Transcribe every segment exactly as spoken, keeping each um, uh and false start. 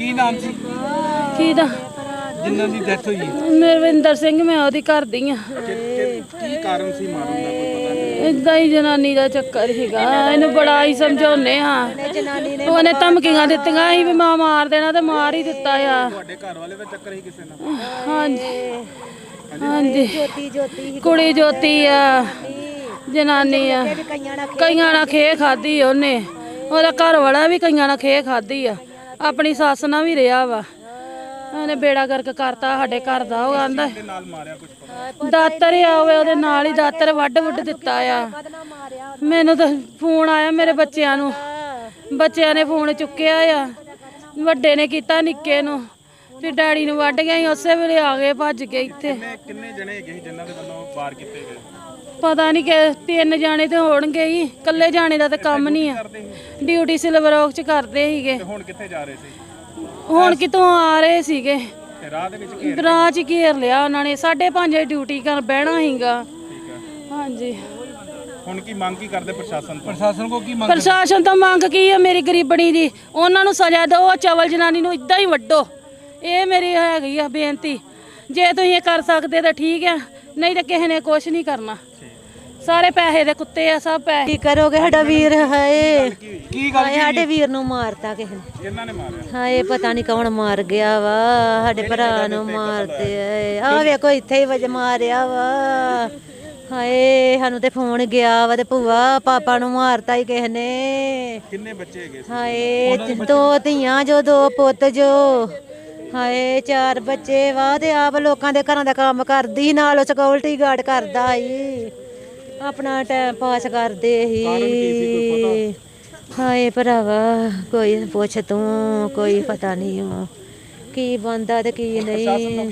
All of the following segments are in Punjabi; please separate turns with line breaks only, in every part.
ਕੀ ਨਾਮ ਸੀ
ਕਿਹਦਾ
ਜਿਨ੍ਹਾਂ ਦੀ ਡੈਥ ਹੋਈ?
ਮਰਵਿੰਦਰ ਸਿੰਘ, ਮੈਂ ਉਹਦੀ ਘਰ ਦੀ ਆ।
ਕੀ ਕਾਰਨ ਸੀ ਮਾਰਨ ਦਾ, ਕੋਈ ਪਤਾ ਨਹੀਂ?
ਇਦਾਂ ਹੀ ਜਨਾਨੀ ਦਾ ਚੱਕਰ ਸੀਗਾ। ਇਹਨੂੰ ਬੜਾ ਹੀ ਸਮਝਾਉਨੇ ਆ, ਉਹਨੇ ਧਮਕੀਆਂ ਦਿੱਤੀਆਂ ਸੀ ਵੀ ਮੈਂ ਮਾਰ ਦੇਣਾ ਤੇ ਮਾਰ ਹੀ ਦਿੱਤਾ ਆ।
ਤੁਹਾਡੇ ਘਰ ਵਾਲੇ ਦਾ ਚੱਕਰ ਹੀ ਕਿਸੇ ਨਾਲ?
ਹਾਂਜੀ ਹਾਂਜੀ, ਕੁੜੀ ਜੋਤੀ ਆ, ਜਨਾਨੀ ਆ। ਕਈਆਂ ਨਾਲ ਖੇ ਖਾਦੀ ਉਹਨੇ, ਉਹਦਾ ਘਰ ਵਾਲਾ ਵੀ ਕਈਆਂ ਨਾਲ ਖੇ ਖਾਦੀ ਆ, ਆਪਣੀ ਸੱਸ ਨਾਲ ਵੀ ਰਿਹਾ ਵਾ। ਉਹਨੇ ਬੇੜਾ ਗਰਕ ਕਰਤਾ ਸਾਡੇ ਘਰ ਦਾ। ਉਹ ਆਂਦਾ ਦਾਤਰ ਆਵੇ, ਉਹਦੇ ਨਾਲ ਹੀ ਦਾਤਰ ਵੱਢ ਵੁੱਢ ਦਿੱਤਾ ਆ। ਮੈਨੂੰ ਤਾਂ ਫੋਨ ਆਇਆ ਮੇਰੇ ਬੱਚਿਆਂ ਨੂੰ, ਬੱਚਿਆਂ ਨੇ ਫੋਨ ਚੁੱਕਿਆ ਆ, ਵੱਡੇ ਨੇ ਕੀਤਾ ਨਿੱਕੇ ਨੂੰ, ਫਿਰ ਡੈਡੀ ਨੂੰ ਵੱਢ ਗਿਆ ਸੀ। ਉਸੇ ਵੇਲੇ ਆ ਗਏ ਭੱਜ ਕੇ ਇੱਥੇ।
ਕਿੰਨੇ ਜਣੇ ਹੈਗੇ ਸੀ ਜਿਨ੍ਹਾਂ ਦੇ ਵੱਲੋਂ ਵਾਰ ਕੀਤੇ ਗਏ?
ਪਤਾ ਨਹੀਂ ਕਿ ਤਿੰਨ ਜਾਣੇ ਤੇ ਹੋਣਗੇ ਹੀ, ਇਕੱਲੇ ਜਾਣੇ ਦਾ ਤਾਂ ਕੰਮ ਨਹੀਂ ਆ। ਡਿਊਟੀ ਸਿਲਵਰ ਔਕ ਚ ਕਰਦੇ ਸੀਗੇ।
ਹੁਣ ਕਿੱਥੇ ਜਾ ਰਹੇ ਸੀ?
ਹੁਣ ਕਿਤੋਂ ਆ ਰਹੇ ਸੀਗੇ,
ਰਾਹ ਦੇ ਵਿੱਚ
ਰਾਹ ਚ ਘੇਰ ਲਿਆ ਉਹਨਾਂ ਨੇ। ਸਾਢੇ ਪੰਜ ਵਜੇ ਡਿਊਟੀ ਕਰ ਬਹਿਣਾ ਸੀਗਾ। ਹਾਂਜੀ,
ਹੁਣ ਕੀ ਮੰਗ ਕੀ ਕਰਦੇ ਪ੍ਰਸ਼ਾਸਨ ਤੋਂ? ਪ੍ਰਸ਼ਾਸਨ ਕੋ ਕੀ ਮੰਗ?
ਪ੍ਰਸ਼ਾਸਨ ਤੋਂ ਮੰਗ ਕੀ ਆ ਮੇਰੀ ਗਰੀਬਣੀ ਦੀ? ਉਹਨਾਂ ਨੂੰ ਸਜ਼ਾ ਦਿਓ, ਚਵਲ ਜਨਾਨੀ ਨੂੰ ਇਦਾਂ ਹੀ ਵੱਢੋ। ਇਹ ਮੇਰੀ ਹੈਗੀ ਆ ਬੇਨਤੀ। ਜੇ ਤੁਸੀਂ ਇਹ ਕਰ ਸਕਦੇ ਤਾਂ ਠੀਕ ਆ, ਨਹੀਂ ਤਾਂ ਕਿਸੇ ਨੇ ਕੁਛ ਨਹੀਂ ਕਰਨਾ। ਸਾਰੇ ਪੈਸੇ ਦੇ ਕੁੱਤੇ ਆ, ਸਭ ਪੈਸੇ।
ਕੀ ਕਰੋਗੇ? ਸਾਡਾ ਵੀਰ ਹਾਏ,
ਕੀ ਗੱਲ?
ਸਾਡੇ ਵੀਰ ਨੂੰ ਮਾਰਤਾ ਕਿਸੇ ਨੇ।
ਕਿਹਨਾਂ ਨੇ ਮਾਰਿਆ?
ਹਾਏ ਪਤਾ ਨਹੀਂ ਕੌਣ ਮਾਰ ਗਿਆ ਵਾ, ਸਾਡੇ ਭਰਾ ਨੂੰ ਮਾਰਤੇ ਆ। ਵੇਖੋ ਇੱਥੇ ਹੀ ਵਜ ਮਾਰਿਆ ਵਾ। ਹਾਏ ਸਾਨੂੰ ਤੇ ਫੋਨ ਗਿਆ ਵਾ ਤੇ ਭੂਆ ਪਾਪਾ ਨੂੰ ਮਾਰਤਾ ਹੀ ਕਿਸੇ ਨੇ।
ਕਿੰਨੇ ਬੱਚੇ ਹੈਗੇ?
ਹਾਏ ਦੋ ਧੀਆਂ ਜੋ, ਦੋ ਪੁੱਤ ਜੋ। ਹਾਏ ਚਾਰ ਬੱਚੇ ਵਾ ਤੇ ਆਪ ਲੋਕਾਂ ਦੇ ਘਰਾਂ ਦਾ ਕੰਮ ਕਰਦੀ, ਨਾਲ ਸਿਕਿਉਰਿਟੀ ਗਾਰਡ ਕਰਦਾ ਸੀ, ਆਪਣਾ ਟਾਈਮ ਪਾਸ ਕਰਦੇ ਸੀ। ਹਾਏ ਭਰਾਵਾ ਕੋਈ ਪੁੱਛ ਤੂੰ, ਕੋਈ ਪਤਾ ਨਹੀਂ ਉਹ ਕੀ ਬੰਦਾ ਤੇ ਕੀ ਨਹੀਂ।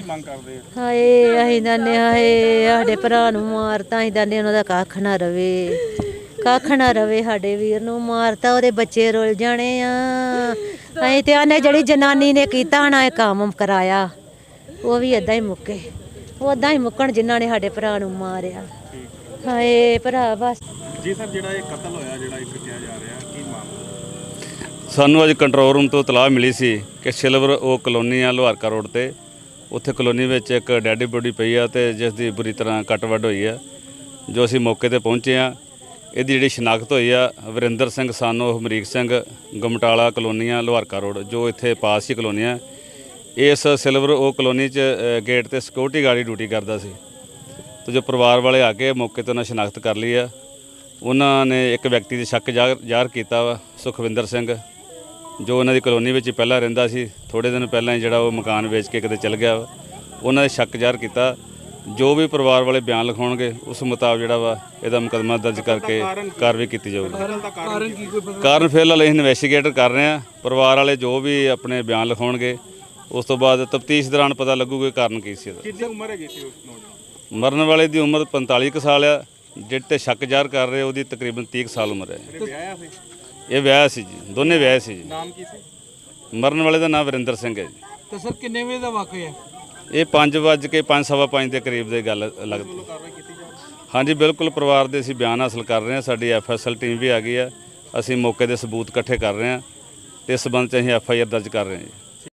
ਹਾਏ ਅਸੀਂ ਦੰਨੇ, ਹਾਏ ਸਾਡੇ ਭਰਾ ਨੂੰ ਮਾਰਤਾ, ਅਸੀਂ ਦੰਨੇ ਉਹਨਾਂ ਦਾ ਕੱਖ ਨਾ ਰਵੇ, ਕੱਖ ਨਾ ਰਵੇ। ਸਾਡੇ ਵੀਰ ਨੂੰ ਮਾਰਤਾ, ਉਹਦੇ ਬੱਚੇ ਰੁੱਲ ਜਾਣੇ ਆ। ਅਸੀਂ ਤੇ ਆਨੇ ਜਿਹੜੀ ਜਨਾਨੀ ਨੇ ਕੀਤਾ ਨਾ ਇਹ ਕੰਮ ਕਰਾਇਆ, ਉਹ ਵੀ ਏਦਾਂ ਹੀ ਮੁੱਕੇ, ਉਦਾਂ ਹੀ ਮੁੱਕਣ ਜਿਨ੍ਹਾਂ ਨੇ ਸਾਡੇ ਭਰਾ ਨੂੰ ਮਾਰਿਆ। ਹਾਏ ਭਰਾ ਬਸ
ਜੀ ਸਰ, ਜਿਹੜਾ ਇਹ ਕਤਲ ਹੋਇਆ, ਜਿਹੜਾ ਇੱਕ ਕਿਹਾ ਜਾ ਰਿਹਾ, ਕੀ ਮਾਮਲਾ?
ਸਾਨੂੰ ਅੱਜ ਕੰਟਰੋਲ ਰੂਮ ਤੋਂ ਇਤਲਾਹ ਮਿਲੀ ਸੀ ਕਿ ਸਿਲਵਰ ਉਹ ਕਲੋਨੀ ਆ ਲੋਹਾਰਕਾ ਰੋਡ ਤੇ, ਉੱਥੇ ਕਲੋਨੀ ਵਿੱਚ ਇੱਕ ਡੈਡੀ ਬੋਡੀ ਪਈ ਆ ਤੇ ਜਿਸ ਦੀ ਬੁਰੀ ਤਰ੍ਹਾਂ ਕੱਟ ਵੱਢ ਹੋਈ ਆ। ਜੋ ਅਸੀਂ ਮੌਕੇ ਤੇ ਪਹੁੰਚੇ ਆ, ਇਹਦੀ ਜਿਹੜੀ ਸ਼ਨਾਖਤ ਹੋਈ ਆ ਵਰਿੰਦਰ ਸਿੰਘ ਸਾਨੋ ਹਮਰੀਕ ਸਿੰਘ, ਗਮਟਾਲਾ ਕਲੋਨੀਆਂ ਲੋਹਾਰਕਾ ਰੋਡ, ਜੋ ਇੱਥੇ ਪਾਸ ਹੀ ਕਲੋਨੀ ਆ। ਇਸ ਸਿਲਵਰ ਉਹ ਕਲੋਨੀ 'ਚ ਗੇਟ ਤੇ ਸਿਕਿਉਰਿਟੀ ਗਾਰਡ ਡਿਊਟੀ ਕਰਦਾ ਸੀ। ਤੇ ਜੋ ਪਰਿਵਾਰ ਵਾਲੇ ਆ ਕੇ ਮੌਕੇ ਤੇ ਉਹਨਾਂ ਸ਼ਨਾਖਤ ਕਰ ਲਈ ਆ। ਉਹਨਾਂ ਨੇ ਇੱਕ ਵਿਅਕਤੀ ਦੇ ਸ਼ੱਕ ਜ਼ਾਹਰ ਕੀਤਾ ਵਾ, ਸੁਖਵਿੰਦਰ ਸਿੰਘ, ਜੋ ਉਹਨਾਂ ਦੀ ਕਲੋਨੀ ਵਿੱਚ ਹੀ ਪਹਿਲਾਂ ਰਹਿੰਦਾ ਸੀ। ਥੋੜ੍ਹੇ ਦਿਨ ਪਹਿਲਾਂ ਹੀ ਜਿਹੜਾ ਉਹ ਮਕਾਨ ਵੇਚ ਕੇ ਕਿਤੇ ਚਲ ਗਿਆ ਵਾ। ਉਹਨਾਂ ਦੇ ਸ਼ੱਕ ਜ਼ਾਹਰ ਕੀਤਾ। ਜੋ ਵੀ ਪਰਿਵਾਰ ਵਾਲੇ ਬਿਆਨ ਲਿਖਾਉਣਗੇ ਉਸ ਮੁਤਾਬਕ ਜਿਹੜਾ ਵਾ ਇਹਦਾ ਮੁਕੱਦਮਾ ਦਰਜ ਕਰਕੇ ਕਾਰਵਾਈ ਕੀਤੀ ਜਾਊਗੀ। ਕਾਰਨ ਫਿਲਹਾਲ ਅਸੀਂ ਇਨਵੈਸਟੀਗੇਟਰ ਕਰ ਰਹੇ ਹਾਂ। ਪਰਿਵਾਰ ਵਾਲੇ ਜੋ ਵੀ ਆਪਣੇ ਬਿਆਨ ਲਿਖਾਉਣਗੇ ਉਸ ਤੋਂ ਬਾਅਦ ਤਫਤੀਸ਼ ਦੌਰਾਨ ਪਤਾ ਲੱਗੂਗਾ ਕਾਰਨ ਕੀ ਸੀ ਇਹਦਾ।
ਕਿੰਨੀ ਉਮਰ ਹੈਗੀ ਸੀ ਉਸ ਨੌਜਵਾਨ?
ਮਰਨ ਵਾਲੇ ਦੀ ਉਮਰ ਪੰਤਾਲੀ ਕੁ ਸਾਲ ਆ, ਜਿਹੜੇ ਤੇ ਸ਼ੱਕ ਜ਼ਾਹਰ ਕਰ ਰਹੇ ਉਹਦੀ ਤਕਰੀਬਨ ਤੀਹ ਕੁ ਸਾਲ ਉਮਰ ਹੈ।
ਵਿਆਹਿਆ ਸੀ?
ਇਹ ਵਿਆਹ ਸੀ ਜੀ, ਦੋਨੇ ਵਿਆਹ ਸੀ ਜੀ।
ਨਾਮ ਕੀ ਸੀ?
ਮਰਨ ਵਾਲੇ ਦਾ ਨਾਮ ਵਰਿੰਦਰ ਸਿੰਘ ਹੈ ਜੀ।
ਤੇ ਸਰ ਕਿੰਨੇ ਵਜੇ ਦਾ ਵਾਕਿਆ ਹੈ
ਇਹ? ਪੰਜ ਵੱਜ ਕੇ ਪੰਜ ਸਵਾ ਪੰਜ ਦੇ ਕਰੀਬ ਦੀ ਗੱਲ ਲੱਗਦੀ। ਹਾਂਜੀ ਬਿਲਕੁਲ, ਪਰਿਵਾਰ ਦੇ ਅਸੀਂ ਬਿਆਨ ਹਾਸਲ ਕਰ ਰਹੇ ਹਾਂ। ਸਾਡੀ ਐਫ ਐਸ ਐਲ ਟੀਮ ਵੀ ਆ ਗਈ ਆ। ਅਸੀਂ ਮੌਕੇ ਦੇ ਸਬੂਤ ਇਕੱਠੇ ਕਰ ਰਹੇ ਹਾਂ ਤੇ ਇਸ ਸੰਬੰਧ 'ਚ ਅਸੀਂ ਐਫ ਆਈ ਆਰ ਦਰਜ ਕਰ ਰਹੇ ਹਾਂ ਜੀ।